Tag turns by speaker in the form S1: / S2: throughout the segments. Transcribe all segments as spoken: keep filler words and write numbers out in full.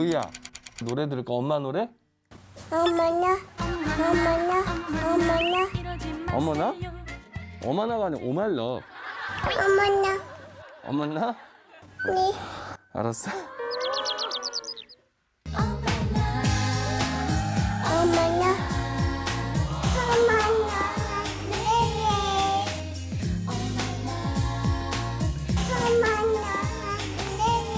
S1: 로이야, 노래 들을까? 엄마 노래?
S2: 어머나, 어머나, 어머나,
S1: 어머나? 어머나가 아니라 오말러.
S2: 어머나,
S1: 어머나?
S2: 네.
S1: 알았어.
S2: 어머나, 어머나, 네네. 어머나, 네네,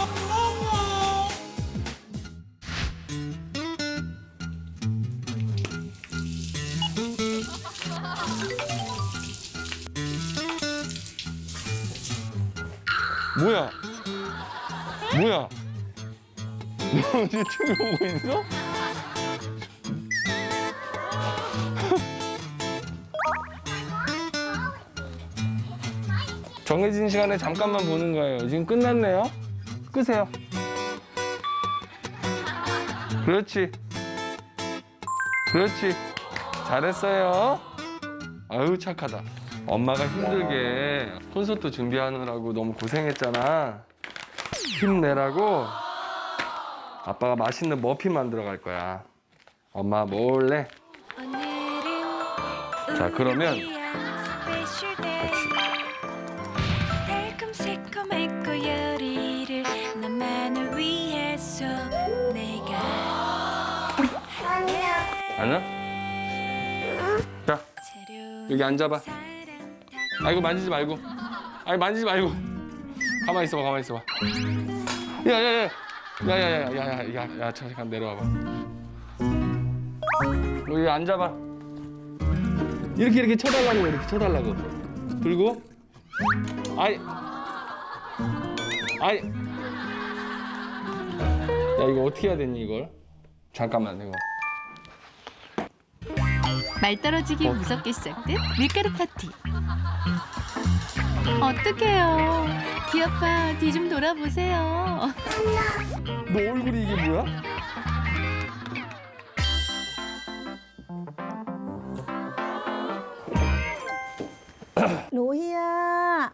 S1: 뭐야? 뭐야? 너 유튜브 보고 있어? 정해진 시간에 잠깐만 보는 거예요. 지금 끝났네요. 끄세요. 그렇지. 그렇지. 잘했어요. 아유, 착하다. 엄마가 힘들게 콘서트 준비하느라고 너무 고생했잖아. 힘내라고 아빠가 맛있는 머핀 만들어 갈 거야. 엄마 몰래. 자, 그러면 같이.
S3: 달콤새콤했고 요리를 너만을 위해서 내가
S1: 안녕? 자, 여기 앉아봐. 아이고, 만지지 말고. 아이, 만지지 말고. 가만히 있어봐, 가만히 있어봐. 야, 야, 야. 야, 야, 야, 야, 야, 야, 야, 잠깐 내려와봐. 여기 앉아봐. 이렇게, 이렇게 쳐달라고, 이렇게 쳐달라고. 그리고, 아이. 아이. 야, 이거 어떻게 해야 되니, 이걸? 잠깐만, 이거.
S4: 말 떨어지기
S1: 어.
S4: 무섭게 시작된 밀가루 파티. 어떡해요. 귀아빠 뒤 좀 돌아보세요.
S1: 너 얼굴이 이게 뭐야?
S5: 로희야,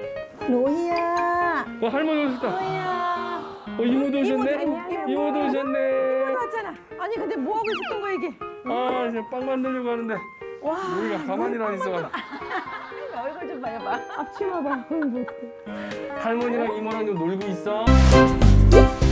S5: 로희야,
S1: 어, 할머니 오셨다.
S5: 로희야.
S1: 어, 이모도 오셨네?
S5: 이모도, 이모.
S1: 이모도 오셨네.
S5: 왔잖아. 아니 근데 뭐 하고 있었던 거야 이게?
S1: 아, 이제 빵 만들려고 하는데
S5: 와.
S1: 우리가 가만히나 있어.
S5: 얼굴 좀 봐봐. 앞치마 봐.
S1: 할머니랑 이모랑 좀 놀고 있어.